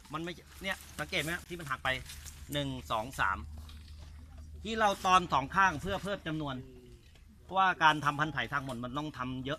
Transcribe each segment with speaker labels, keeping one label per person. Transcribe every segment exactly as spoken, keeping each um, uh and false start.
Speaker 1: มันไม่เนี่ยสังเกตไหมที่มันหักไปหนึ่งสองสามที่เราตอนสองข้างเพื่อเพิ่มจำนวนเพราะว่าการทำพันธุ์ไผ่ทางหมดมันต้องทำเยอะ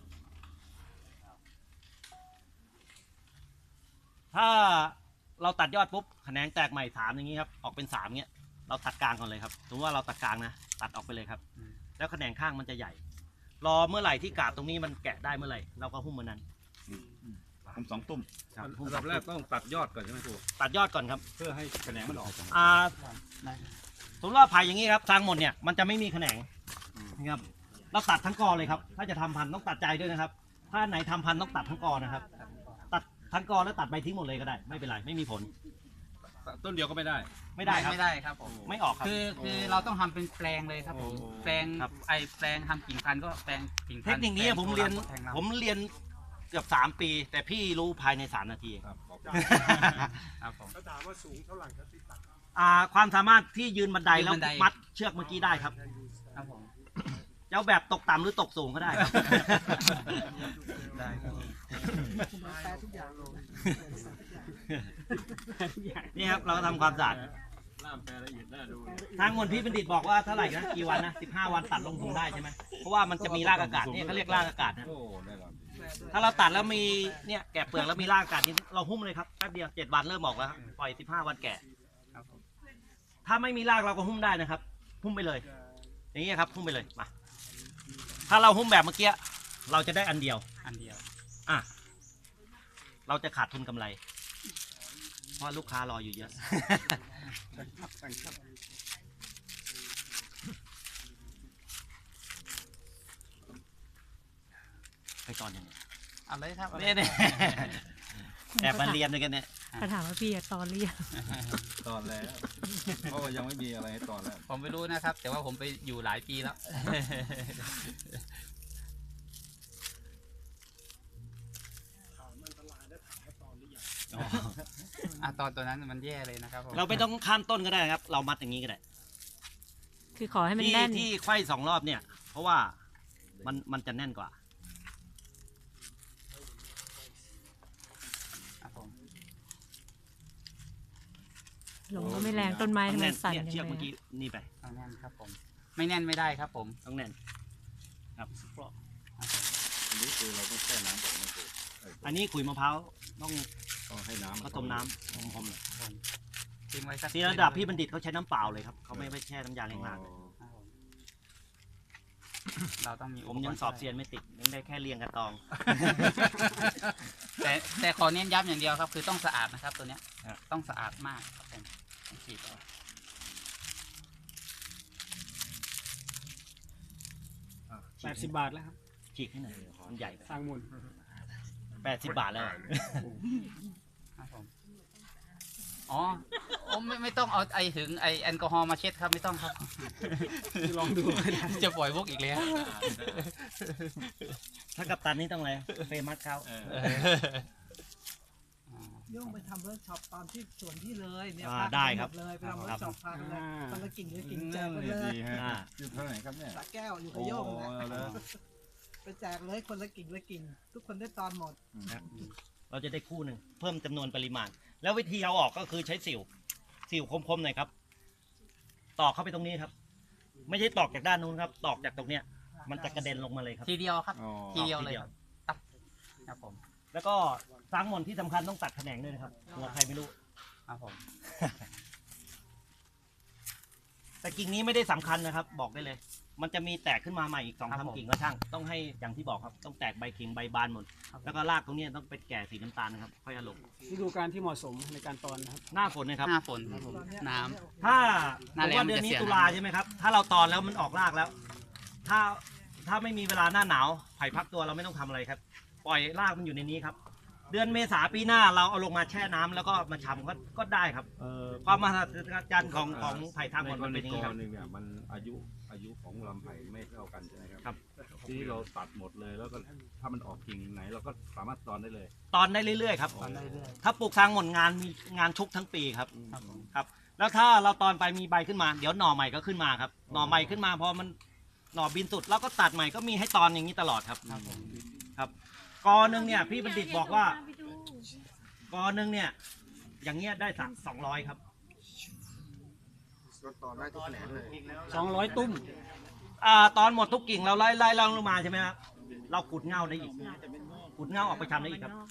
Speaker 1: ถ้าเราตัดยอดปุ๊บแขนงแตกใหม่สามอย่างนี้ครับออกเป็นสามเงี้ยเราตัดกลางก่อนเลยครับสมมติว่าเราตัดกลางนะตัดออกไปเลยครับแล้วแขนงข้างมันจะใหญ่รอเมื่อไหร่ที่กาบตรงนี้มันแกะได้เมื่อไหร่เราก็หุ้มมันนั้น
Speaker 2: ผมสองตุ่ม
Speaker 1: ครับ
Speaker 2: อันดับแรกต้องตัดยอดก่อนใช่ไหมครู
Speaker 1: ตัดยอดก่อนครับ
Speaker 2: เพื่อให้แขนงมันออก
Speaker 1: อ่าสมมติว่าไผ่อย่างนี้ครับทางหมดเนี่ยมันจะไม่มีแขนงนะครับเราตัดทั้งกอเลยครับถ้าจะทำพันธุ์ต้องตัดใจด้วยนะครับ ถ้าไหนทำพันธุ์ต้องตัดทั้งกอนะครับตัดทั้งกอแล้วตัดใบทิ้งหมดเลยก็ได้ไม่เป็นไรไม่มีผล
Speaker 2: ต้นเดียวก็ไม่ได้
Speaker 1: ไม่ได้ครับ
Speaker 3: ไม่ได้ครับผม
Speaker 1: ไม่ออกครับ
Speaker 3: คือคือเราต้องทำเป็นแปลงเลยครับผม
Speaker 2: โอ้
Speaker 3: แปลง
Speaker 1: ครับ
Speaker 3: ไอแปลงทำกิ่งพันธุ์ก็แปลงกิ่งพั
Speaker 1: เท
Speaker 3: น
Speaker 1: ค
Speaker 3: ธุ์
Speaker 1: นิคนี้ผมเรียน
Speaker 3: แปลง
Speaker 1: ผมเรียนเกือบสามปี แต่พี่รู้ภายในสามนาที
Speaker 2: ครับขอบคุณ
Speaker 3: ครับผม
Speaker 4: ก็ถามว่าสูงเท่าไหร่ครับที่ตัด
Speaker 1: อ่าความสามารถที่ยืนบันได
Speaker 3: ยืน
Speaker 1: แล้ว
Speaker 3: บันได
Speaker 1: มัดเชือกเมื่อกี้ได้ครับ
Speaker 3: ครับผม
Speaker 1: เจ้าแบบตกต่ำหรือตกสูงก็ได้ครับ
Speaker 3: ได้ครับ
Speaker 4: แปลทุกอย่างลง
Speaker 1: นี่ครับเราก็ทำความสะอาด
Speaker 2: ล่ามแปลละเอียดน่าดู
Speaker 1: ทางมนพี่บัณฑิตบอกว่าเท่าไหร่นะกี่วันนะสิบห้าวันตัดลงถุงได้ใช่ไหมเพราะว่ามันจะมีรากอากาศเนี่ยเขาเรียกรากอากาศนะ
Speaker 2: โอ้ได้แล้ว
Speaker 1: ถ้าเราตัดแล้วมีเนี่ยแกะเปลือกแล้วมีรากอากาศนี่เราหุ้มเลยครับแป๊บเดียวเจ็ดวันเริ่มออกแล้วครับปล่อยสิบห้าวันแกะ
Speaker 3: ครับผม
Speaker 1: ถ้าไม่มีรากเราก็หุ้มได้นะครับ หุ้มไปเลย อย่างนี้ครับหุ้มไปเลยมาถ้าเราหุ้มแบบเมื่อกี้เราจะได้อันเดียว
Speaker 3: อันเดียว
Speaker 1: อ่ะเราจะขาดทุนกำไร เพราะลูกค้ารออยู่เยอะ ไปตอนยังไง
Speaker 3: เอาเลยครับเอาเลย
Speaker 1: เนี่ยเนี่ยแอบมาเรียนด้วยกันเนี่ย
Speaker 5: เขาถามว่าพี่อะตอนเรียน
Speaker 2: ตอนแล้วเพราะว่ายังไม่มีอะไรให้ตอนแล้ว
Speaker 3: ผมไม่รู้นะครับ แต่ว่าผมไปอยู่หลายปีแล้ว อ่ะตอนตัวนั้นมันแย่เลยนะครับผม
Speaker 1: เราไม่ต้องข้ามต้นก็ได้ครับ เรามัดอย่างนี้ก็ได้
Speaker 5: คือขอให้มัน
Speaker 1: ที่
Speaker 5: แน่น
Speaker 1: ที่ไขว้สองรอบเนี่ย เพราะว่ามันมันจะแน่นกว่า
Speaker 3: ครับผม
Speaker 5: ลมก็ไม่แรงต้นไม้
Speaker 1: ต้อ
Speaker 5: ทำ
Speaker 1: ง
Speaker 5: ไม
Speaker 1: แน่น
Speaker 5: สั่น
Speaker 1: เนี่ย
Speaker 5: จัง
Speaker 1: เชือก
Speaker 5: เล
Speaker 1: เมื่อกี้
Speaker 5: ย
Speaker 1: นี่ไป
Speaker 3: ต้องแน่นครับผม ไม่แน่นไม่ได้ครับผม
Speaker 1: ต้องแน่นครับ
Speaker 2: อันนี้คือเราต้องแช่น้ำก่อนนะครูเอ้ย
Speaker 1: อันนี้ขุยมะพร้าวต้อง
Speaker 2: ต้องให้น้ำ
Speaker 1: ผสมน้ำผมๆเลย
Speaker 3: ทิ้งไว้สัก
Speaker 1: ที่ระดับพี่บัณฑิตเขาใช้น้ำเปล่าเลยครับเขาไม่ไปแช่น้ำยาแรงงานเลย
Speaker 3: ครับผมเราต้องมี
Speaker 1: ผมยังสอบเซียนไม่ติดยังได้แค่เรียงกระตอง
Speaker 3: แต่แต่ขอเน้นย้ำอย่างเดียวครับ คือต้องสะอาดนะครับ ตัวเนี้ย
Speaker 1: ครับ
Speaker 3: ต้องสะอาดมากครับผมต้องฉีดเอา
Speaker 4: แปดสิบบาทแล้วครับ
Speaker 1: ฉีกให้หน่อยมันใหญ่ไป
Speaker 4: สร้างมูล
Speaker 1: แปดสิบบาทแล้วอะ
Speaker 3: ครับผมอ๋อโอ้ไม่ไม่ต้องเอาไอถึงไอแอลกอฮอล์มาเช็ดครับไม่ต้องครับ
Speaker 4: ลองดูก็ได้
Speaker 3: จะปล่อยพวกอีกแล้ว
Speaker 1: ถ้ากับตันนี่ต้องอะไรเฟมัสเขา
Speaker 2: เออ
Speaker 6: โย่งไปทำเวิร์กช็อปตอนที่สวนที่เลยเนี่ย
Speaker 1: อ่า
Speaker 6: พาป
Speaker 1: ได้ครับ
Speaker 6: หมเลยไปทำเวิร์กช็อปพาไปเลยคนละกิ่งละกิ่งแจ
Speaker 2: นั่
Speaker 6: ก
Speaker 2: น
Speaker 6: ไป
Speaker 2: นี่
Speaker 6: เลย
Speaker 2: ดีฮะ
Speaker 1: อ่า
Speaker 2: อยู่เท่าไหร่ครับเนี่ย
Speaker 6: สระแก้วอยู่กับ
Speaker 2: โอ้
Speaker 6: โย่ง
Speaker 2: โห
Speaker 6: นะ
Speaker 2: แล้ว
Speaker 6: ไปแจกเลยคนละกิ่งละกิ่งทุกคนได้ตอนหมด
Speaker 1: เราจะได้คู่หนึ่งเพิ่มจำนวนปริมาณ แล้ววิธีเอาออกก็คือใช้สิวสิวคมๆหน่อยครับ ตอกเข้าไปตรงนี้ครับ ไม่ใช่ตอกจากด้านนู้นครับ ตอกจากตรงเนี้ย มันจะกระเด็นลงมาเลยครับ
Speaker 3: ทีเดียวครับ
Speaker 2: อ๋อ
Speaker 3: ทีเดียวเลยครับตับครับผม
Speaker 1: แล้วก็สร้างหมอนที่สำคัญต้องตัดแขนงด้วยนะครับหัวใครไม่รู้
Speaker 3: ครับผม
Speaker 1: แต่กิ่งนี้ไม่ได้สำคัญนะครับ บอกได้เลย มันจะมีแตกขึ้นมาใหม่อีกสองสามกิ่งก็ช่าง ต้องให้อย่างที่บอกครับ ต้องแตกใบกิ่งใบบานหมด แล้วก็รากตรงนี้ต้องเป็นแก่สีน้ำตาลนะครับ ค่อยเอาลง
Speaker 4: ฤดูการที่เหมาะสมในการตอนนะครับ
Speaker 1: หน้าฝนนะครับ
Speaker 3: หน้าฝนครับผม
Speaker 6: ตอนเนี้ย
Speaker 3: น้ำ
Speaker 1: ถ้า
Speaker 3: หน้า
Speaker 1: ผม
Speaker 3: แล้ง
Speaker 1: ว่าเดือนนี้
Speaker 3: มันจะเสีย
Speaker 1: ตุลา
Speaker 3: น้ำ
Speaker 1: ใช่ไหมครับ ถ้าเราตอนแล้วมันออกรากแล้ว ถ้าถ้าไม่มีเวลาหน้าหนาวไผ่พักตัวเราไม่ต้องทำอะไรครับ ปล่อยรากมันอยู่ในนี้ครับ เดือนเมษาปีหน้าเราเอาลงมาแช่น้ำแล้วก็มาชำก็ก็ได้ครับ
Speaker 2: เออ
Speaker 1: ความมหัศจรรย์ของของไผ่ทางหมดมันเป็นอย่างนี้
Speaker 2: ใน
Speaker 1: ค
Speaker 2: ก
Speaker 1: รั
Speaker 2: ร
Speaker 1: บ
Speaker 2: ณีเนี่ยมันอายุอายุของลำไผ่ไม่เท่ากันใช่ไหมครับ
Speaker 1: ครับ
Speaker 2: ที่เราตัดหมดเลยแล้วก็ถ้ามันออกกิ่งไหนเราก็สามารถตอนได้เลย
Speaker 1: ตอนได้เรื่อยๆครับ
Speaker 3: ตอนได้เรื่อย
Speaker 1: ถ้าปลูกทางหมดงานมีงานชุกทั้งปีครับ
Speaker 3: ครับผม
Speaker 1: ครับ แล้วถ้าเราตอนไปมีใบขึ้นมาเดี๋ยวหน่อใหม่ก็ขึ้นมาครับ หน่อใหม่ขึ้นมาพอมันหน่อบินสุดแล้วก็ตัดใหม่ก็มีให้ตอนอย่างนี้ตลอดครับ
Speaker 3: ครับผม
Speaker 1: ครับกอหนึ่งเนี่ยพี่บัณฑิตบอกว่า กอหนึ่งเนี่ยอย่างเงี้ยได้สักสองร้อยครับ
Speaker 4: สองร้อยตุ้ม
Speaker 1: อ่าตอนหมดทุกกิ่งเราไล่ไล่ไล่ลงมาใช่ไหมครับเราขุดเงาได้อีกขุดเงาออกไปทำได้อีกครับ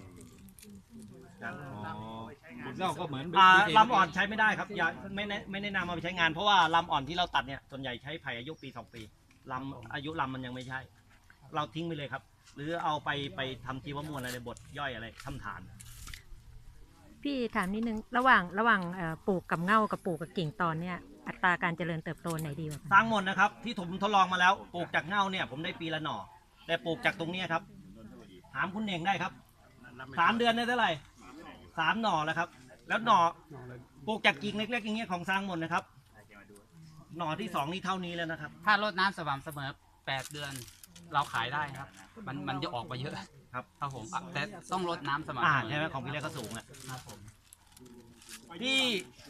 Speaker 2: คุณเล่าก็เหมือน
Speaker 1: อ่าลำอ่อนใช้ไม่ได้ครับอย่าไม่แนะไม่แนะนำเอาไปใช้งานเพราะว่าลำอ่อนที่เราตัดเนี่ยส่วนใหญ่ใช้ไผ่อายุปีสองปีลำอายุลำมันยังไม่ใช่ เราทิ้งไปเลยครับ หรือเอาไปไปทำชีวมวลอะไรบดย่อยอะไรทำฐาน
Speaker 5: พี่ถามนิดนึงระหว่างระหว่างเอ่อปลูกกับเง่ากับปลูกกับกิ่งตอนเนี่ยอัตราการเจริญเติบโตไหนดีกว่า
Speaker 1: สร้างหมดนะครับที่ผมทดลองมาแล้วปลูกจากเง่าเนี่ยผมได้ปีละหน่อ แต่ปลูกจากตรงเนี้ยครับถามคุณเองได้ครับสามเดือนได้เท่าไหร่สามหน่อแล้วครับ แล้วหน่อปลูกจากกิ่งเล็กๆอย่างเงี้ยของสร้างหมดนะครับ หน่อที่สองนี่เท่านี้แล้วนะครับ
Speaker 3: ถ้ารดน้ำสม่ำเสมอแปดเดือนเราขายได้ครับ มันมันจะออกมาเยอะ
Speaker 1: ครับ
Speaker 3: ครับผมอ่ะแต่ต้องรดน้ำสม่ำ
Speaker 1: อ่า
Speaker 3: เสมอ
Speaker 1: ใช่ไหมของพี่เล็กก็สูงอ่ะ
Speaker 3: ครับผม
Speaker 1: ที่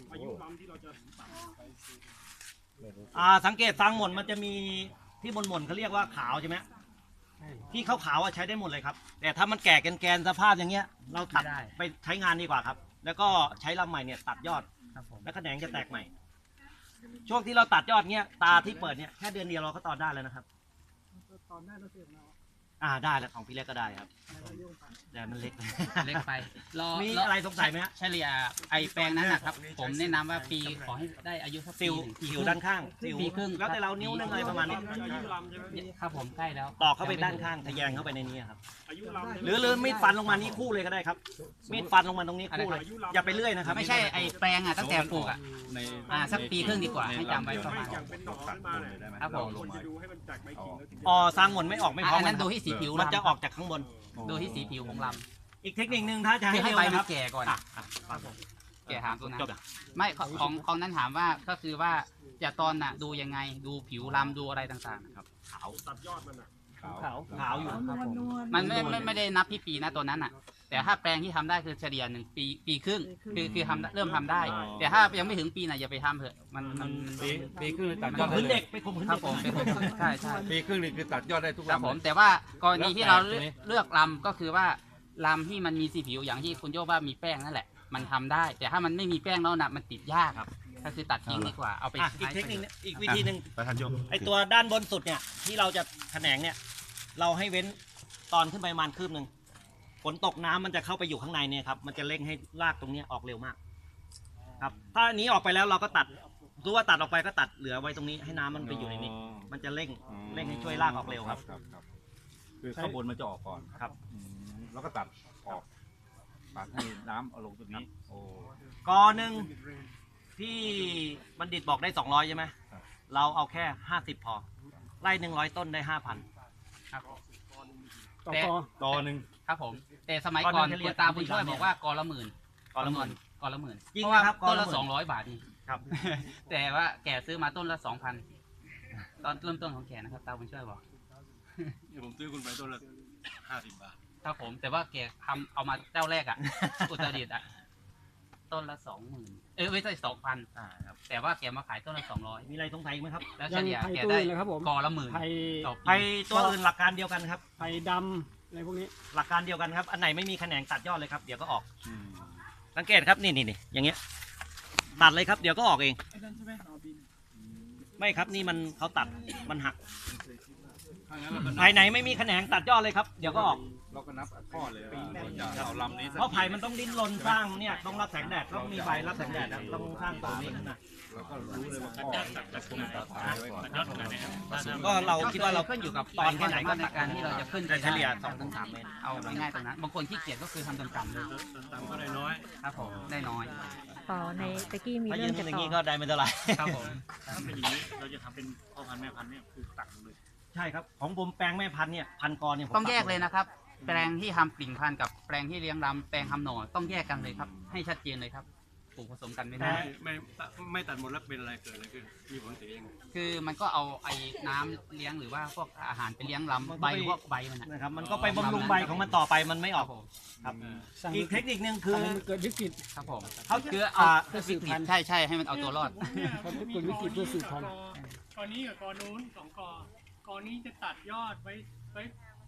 Speaker 1: อ่าสังเกตสร้างหมดมันจะมีที่บนหมนเขาเรียกว่าขาวใช่ไหมที่ขาวๆอ่ะใช้ได้หมดเลยครับ แต่ถ้ามันแก่แกนๆสภาพอย่างเงี้ย เราตัดไปใช้งานดีกว่าครับ แล้วก็ใช้ลำใหม่เนี่ยตัดยอด
Speaker 3: ครับผม
Speaker 1: แล้วแขนงจะแตกใหม่ ช่วงที่เราตัดยอดเงี้ยตาที่เปิดเนี่ยแค่เดือนเดียวเราก็ตอนได้แล้วนะครับ
Speaker 6: ตอนได้เราเสร็จแล้ว
Speaker 1: อ่าได้แล้วของพี่เล็กก็ได้ครับแต่มันเล็ก
Speaker 3: เล็กไปรอ
Speaker 1: มี
Speaker 3: ร
Speaker 1: อะไรสงสัยไหมฮะ
Speaker 3: เฉลี่ยไอแปลงนั้นนะครับ ผมแนะนำว่าปีขอให้ได้อายุสักปี
Speaker 1: สิว
Speaker 3: หนึ่งปี
Speaker 1: สิ
Speaker 3: คว รึ่ง
Speaker 1: ด้านข้างสิว
Speaker 3: ปีครึ่ง
Speaker 1: แล้วแต่เรานิ้วนึงอะไรประมาณนี้
Speaker 3: ครับผมใกล้แล้ว
Speaker 1: ตอกเข้าไปด้านข้างทะแยงเข้าไปในนี้ครับหรือหรือมีดฟันลงมานี้คู่เลยก็ได้ครับ มีดฟันลงมาตรงนี้คู่เลย อย่าไปเลื่อยนะครับ
Speaker 3: ไม่ใช่ไอแปลงอ่ะตั้งแต่ปลูกอ่ะ
Speaker 2: ใน
Speaker 3: อ่าสักปีครึ่งดีกว่าให้จำไว้ประมาณ
Speaker 2: ตัดต้นเลยได้ไหม
Speaker 3: ครับผม
Speaker 2: เาลงมาอ๋อ
Speaker 1: อ๋อสร้างหมนไม่ออกไม่พร้อ
Speaker 3: อั
Speaker 1: ม
Speaker 3: นนั้น
Speaker 1: กั
Speaker 3: ดู
Speaker 1: ครับ
Speaker 3: ที่สีผิว
Speaker 1: มัน
Speaker 3: ลำ
Speaker 1: จะออกจากข้างบน
Speaker 3: ดูที่สีผิวของล
Speaker 1: อีกเทคนิคหนึ่งถ้าจะ
Speaker 3: ำ
Speaker 1: ให้
Speaker 3: คือให้
Speaker 1: เร็ว
Speaker 3: ใบ
Speaker 1: นะ
Speaker 3: มั
Speaker 1: คน รับ
Speaker 3: แก่ก่อน
Speaker 1: อ่ะอ่ะครับผม
Speaker 3: แก่หามตรงนั้น
Speaker 1: จบอ่ะ
Speaker 3: ไม่ของของของนั้นถามว่าก็คือว่าจะตอนน่ะดูยังไงดูผิวลำดูอะไรต่างๆนะครับ
Speaker 1: ขาว
Speaker 2: ขาว
Speaker 1: ขาวขาวอยู่
Speaker 6: นวลนวล
Speaker 3: มันไม่ไม่ไม่ได้นับที่ปีนะตัวนั้นอ่ะ แต่ถ้าแปลงที่ทำได้คือเฉลี่ยหนึ่งปีปีครึ่งคือคือทำเริ่มทำได้ แต่ถ้ายังไม่ถึงปีน่ะอย่าไปทำเถอะมันมัน
Speaker 2: ปีปีครึ่งตัดย
Speaker 1: ข่
Speaker 2: อ
Speaker 1: ม
Speaker 2: ด
Speaker 1: ขื
Speaker 2: ได้
Speaker 1: น
Speaker 2: เล
Speaker 1: เด็
Speaker 2: ย
Speaker 1: กไปข่มขืน
Speaker 3: ครับ
Speaker 1: เด็ก
Speaker 3: ผมเป็นใช่ใช่
Speaker 2: ปีครึ่งนี่คือตัดยอดได้ทุก
Speaker 3: ครับ
Speaker 2: ลำ
Speaker 3: ผม
Speaker 2: เลย
Speaker 3: แต่ว่ากรณีที่เรา
Speaker 2: แล้วแต่ทีนี้
Speaker 3: เลือกลำก็คือว่าลำที่มันมีสีผิวอย่างที่คุณโยว่ามีแป้งนั่นแหละ มันทำได้ แต่ถ้ามันไม่มีแป้งแล้วนะมันติดยากครับก็คือตัดทิ้งดีกว่าเอาไป
Speaker 1: อ่ะอีก
Speaker 3: ใช้
Speaker 1: เทคนิคนึงอีกวิธีหนึ่ง
Speaker 2: ประธานโยม
Speaker 1: ไอตัวด้านบนสุดเนี่ยที่เราจะแขนงเนี่ย เราให้เว้นตอนขึ้นไปประมาณคืบหนึ่งฝนตกน้ำมันจะเข้าไปอยู่ข้างในเนี่ยครับมันจะเร่งให้รากตรงเนี้ยออกเร็วมาก ครับ ถ้าอันนี้ออกไปแล้วเราก็ตัดรู้ว่าตัดออกไปก็ตัดเหลือไว้ตรงนี้ให้น้ำมันไปอยู่ในนี้ มันจะเร่งเร่งให้ช่วยรากออกเร็วครับ
Speaker 2: ครับครับคือข้างบนมันจะออกก่อน
Speaker 1: ครับ
Speaker 2: อืมแล้วก็ตัดออกตัดให้น้ำเอาลงตรงนี้โอ้
Speaker 1: กอหนึ่งที่บัณฑิตบอกได้สองร้อยใช่ไหม
Speaker 2: ครับ
Speaker 1: เราเอาแค่ห้าสิบพอไล่หนึ่งร้อยต้นได้ห้าพัน
Speaker 3: ครับผม
Speaker 4: ต่อ
Speaker 3: แต่
Speaker 4: กอ
Speaker 2: ตอหนึ่ง
Speaker 3: ครับผม แต่สมัย
Speaker 1: ก่อน
Speaker 3: ก่อน
Speaker 1: นั้นจะเรี
Speaker 3: คุ
Speaker 1: ยก
Speaker 3: ณตาบุญช่วยบอกว่ากอละหมื่น
Speaker 1: กอละหมื่น
Speaker 3: กอละหมื่น
Speaker 1: จริง
Speaker 3: เพราะว่า
Speaker 1: นะครับกอ
Speaker 3: ต้น
Speaker 1: ละ
Speaker 3: ละ
Speaker 1: หมื่น
Speaker 3: สองร้อยบาทนี่
Speaker 1: ครับ
Speaker 3: แต่ว่าแกซื้อมาต้นละสองพันตอนเริ่มต้นของแกนะครับตาบุญช่วยบอก
Speaker 2: ผมซื้อคุณไปต้นละห้าสิบบาท
Speaker 3: ครับผม แต่ว่าแกทำเอามาเจ้าแรกอ่ะ อุตรดิตถ์อ่ะต้นละสองหมื่นเออไม่ใช่สองพัน
Speaker 1: อ่าครับ
Speaker 3: แต่ว่าแกมาขายต้นละสองร้อย
Speaker 1: มีอะไรสงสัยอีกไหมครับ
Speaker 3: แล้ว
Speaker 4: ยั
Speaker 3: เฉ
Speaker 4: ง
Speaker 3: ลี่ย
Speaker 4: ไผ่
Speaker 3: แก
Speaker 4: ตัว
Speaker 3: ได้
Speaker 4: อื่นเลยครับผม
Speaker 3: กอละหมื่น
Speaker 4: ไผ่
Speaker 3: ต่อ
Speaker 1: ไป
Speaker 3: ปี
Speaker 1: ตัวอื่นหลักการเดียวกันครับ
Speaker 4: ไผ่ดำอะไรพวกนี้
Speaker 1: หลักการเดียวกันครับ อันไหนไม่มีแขนงตัดยอดเลยครับเดี๋ยวก็ออกสังเกตครับนี่นี่นี่อย่างเงี้ยตัดเลยครับเดี๋ยวก็ออกเอง
Speaker 6: ไอ้นั่นใช่ไหมเอาบิน
Speaker 1: ไม่ครับนี่มันเขาตัดมันหัก
Speaker 2: ถ้างั้นเราก็นับ
Speaker 1: ภายไหนไม่มีแขนงตัดยอดเลยครับเดี๋ยวก็ออก
Speaker 2: เราก็นับข้อเลยว่าเราจะเอาลำนี้สัก
Speaker 1: เพราะไผ่มันต้องดิ้นรนสร้างเนี่ยต้องรับแสงแดดต้องมีใบรับแสงแดดนะต้องสร้างตัวนี้ขึ้นมา
Speaker 2: เราก็รู้เลยว่าข้อจะคุมตัดท้ายไว้ก่อน
Speaker 1: ก็เราคิดว่าเรา
Speaker 3: ขึ้นอยู่กับ
Speaker 1: ตอนแค่ไหนก็
Speaker 3: ในการที่เราจะขึ้น
Speaker 1: แต่เฉลี่ย
Speaker 3: ได้
Speaker 1: สองถึงสามเมตร
Speaker 3: เอาง่ายๆตรงนั้นบางคนขี้เกียจก็คือทำต่ำๆเลย
Speaker 2: ต่ำก็ได้น้อย
Speaker 3: ครับผมได้น้อย
Speaker 5: ต่อในตะกี้มี
Speaker 1: ถ้า
Speaker 5: เรื่
Speaker 1: ยื
Speaker 5: อง
Speaker 1: น
Speaker 5: จะ
Speaker 1: อย่าง
Speaker 5: ต่
Speaker 1: นี้
Speaker 5: อ
Speaker 1: ก็ได้ไม่เท่าไหร่
Speaker 3: ครับผม
Speaker 7: ถ้าเป็นอย่างนี้เราจะทำเป็นพ่อพันธุ์แม่พันธุ์เนี่ยคือตัดเลย
Speaker 1: ใช่ครับของผมแปลงแม่พันธุ์เนี่ยพันกรเนี่ยผม
Speaker 3: ต้องแยกเลยนะครับ แปลงที่ทำปลิ่งพันธุ์กับแปลงที่เลี้ยงลำแปลงทำหน่อต้องแยกกันเลยครับ ให้ชัดเจนเลยครับปลูกผสมกันไม่ได้
Speaker 7: ไม่ไม่ไม่ตัดหมดแล้วเป็นอะไรเกิดอะไรขึ้นมีผลเสียยังไง
Speaker 3: คือมันก็เอาไอ้น้ำเลี้ยงหรือว่าพวกอาหารไปเลี้ยงลำใบพวกใบมันนะ
Speaker 1: นะครับมันก็ไปบำรุงใบของมันต่อไปมันไม่ออก
Speaker 3: ผม
Speaker 1: ครับ
Speaker 4: สั่ง
Speaker 1: อีกเทคนิคนึงคือ
Speaker 4: ทำให้มันเกิดวิกฤต
Speaker 3: ครับผม
Speaker 1: เขา
Speaker 3: คือเอา
Speaker 1: อ่า
Speaker 4: เพื่อสื
Speaker 3: วิ
Speaker 4: บ
Speaker 3: กฤ
Speaker 4: พั
Speaker 3: ต
Speaker 4: นธุ์
Speaker 3: ใช่ใช่ให้มันเอาตัวรอด
Speaker 4: เขาเกิดวิกฤตเพื่อสืบพันธุ์
Speaker 8: กอนี้กับกอนู้นสองกอ กอนี้จะตัดยอดไว้ไว้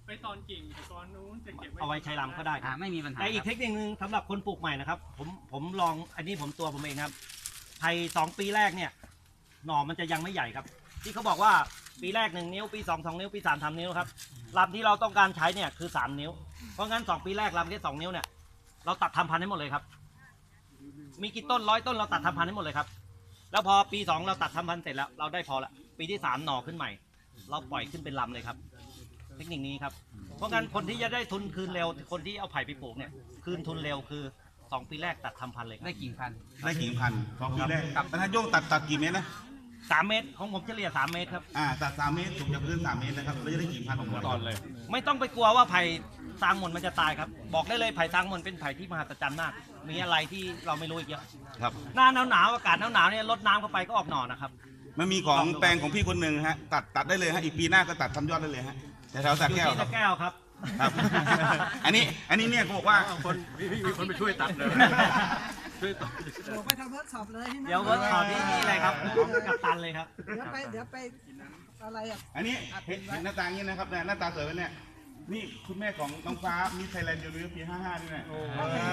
Speaker 4: ไปตอนกิ่งแต่ตอนนู้นจะเก็บไว้
Speaker 1: เอาไว้ใช้ลำก็ได้ค
Speaker 3: อ่า
Speaker 1: รับ
Speaker 3: ไม่มีปัญหา
Speaker 1: แต่อีก
Speaker 3: ค
Speaker 1: เท
Speaker 3: รับ
Speaker 1: คนิคนึงสำหรับคนปลูกใหม่นะครับ ผมผมลองอันนี้ผมตัวผมเองครับไผ่สองปีแรกเนี่ยหน่อมันจะยังไม่ใหญ่ครับ ที่เขาบอกว่าปีแรกหนึ่งนิ้วปีสองสองนิ้วปีสามสามนิ้วครับลำที่เราต้องการใช้เนี่ยคือสามนิ้วเพราะงั้นสองปีแรกลำแค่สองนิ้วเนี่ยเราตัดทำพันธุ์ให้หมดเลยครับ มีกี่ต้นร้อยต้นเราตัดทำพันธุ์ให้หมดเลยครับ แล้วพอปีสองเราตัดทำพันธุ์เสร็จแล้วเราได้พอละปีที่สามหน่อขึ้นใหม่ เราปล่อยขึ้นเป็นลำเลยครับ เทคนิคนี้ครับ เพราะงั้นคนที่จะได้ทุนคืนเร็ว คนที่เอาไผ่ไปปลูกเนี่ยคืนทุนเร็วคือสองปีแรกตัดทำพันธุ์เลยครับ
Speaker 3: ได้กิ่งพันธุ์
Speaker 8: ได้กี่พันสองปีแรกแล้วถ้าโยงตัดตัดกี่เมตรนะ
Speaker 1: สามเมตรของผมเฉลี่ยสามเมตรครับ
Speaker 8: อ่าตัดสามเมตรสูงจากพื้นสามเมตรนะครับแล้วจะได้กี่พันของตอนเลย
Speaker 1: ไม่ต้องไปกลัวว่าไผ่ซางหมนมันจะตายครับ บอกได้เลยไผ่ซางหมนเป็นไผ่ที่มหัศจรรย์มาก มีอะไรที่เราไม่รู้อีกเยอะ
Speaker 8: ครับ
Speaker 1: หน้าหนาวหนาวๆอากาศหนาวหนาวๆเนี่ยลดน้ำเข้าไปก็ออกหน่อนะครับ
Speaker 8: มันมีของแปลงของพี่คนหนึ่งฮะตัดตัดได้เลยฮะอีกปีหน้าก็ตัดทำยอดได้เลยฮะแต่แถวสระ
Speaker 1: อยู่
Speaker 8: แก้ว
Speaker 1: ที่
Speaker 8: ครั
Speaker 1: ตะ
Speaker 8: บ
Speaker 1: แก้วครับ
Speaker 8: ครับ อันนี้อันนี้เนี่ยเขาบอกว่า
Speaker 2: คนพี่มีคนไปช่วยตัดเลยช่วยตัด
Speaker 6: โอ้ไปทำเวิร์กช็อปเลยที่นั่น
Speaker 1: เดี๋ยวเวิร์กช็อปที่นี่เลยครับของกัปตันเลยครับ
Speaker 6: เดี๋ยวไปเดี๋ยวไปอะไรอ่ะ
Speaker 8: อันนี้เห็นเห็นหน้าตาอย่างนี้นะครับเนี่ยหน้าตาสวยไหมเนี่ยนี่คุณแม่ของน้องฟ้ามีไทยแลนด์ยูนิเวอร์ปีห้าห้านี่แหละ
Speaker 6: โอ้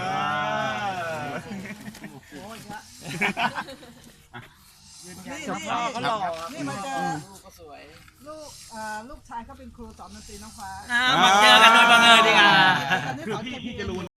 Speaker 6: ยละนี่นี่นี่มาเจอลูกอ่าลูกชายเขาเป็นครูสอนดนตรีน้องฟ้า
Speaker 1: อ่ามาเจอกันโดยบังเอิญดีกว่า
Speaker 6: ตอนนี้
Speaker 8: คือ
Speaker 6: เขา
Speaker 8: พี่
Speaker 6: จะ
Speaker 8: พี่จะรู้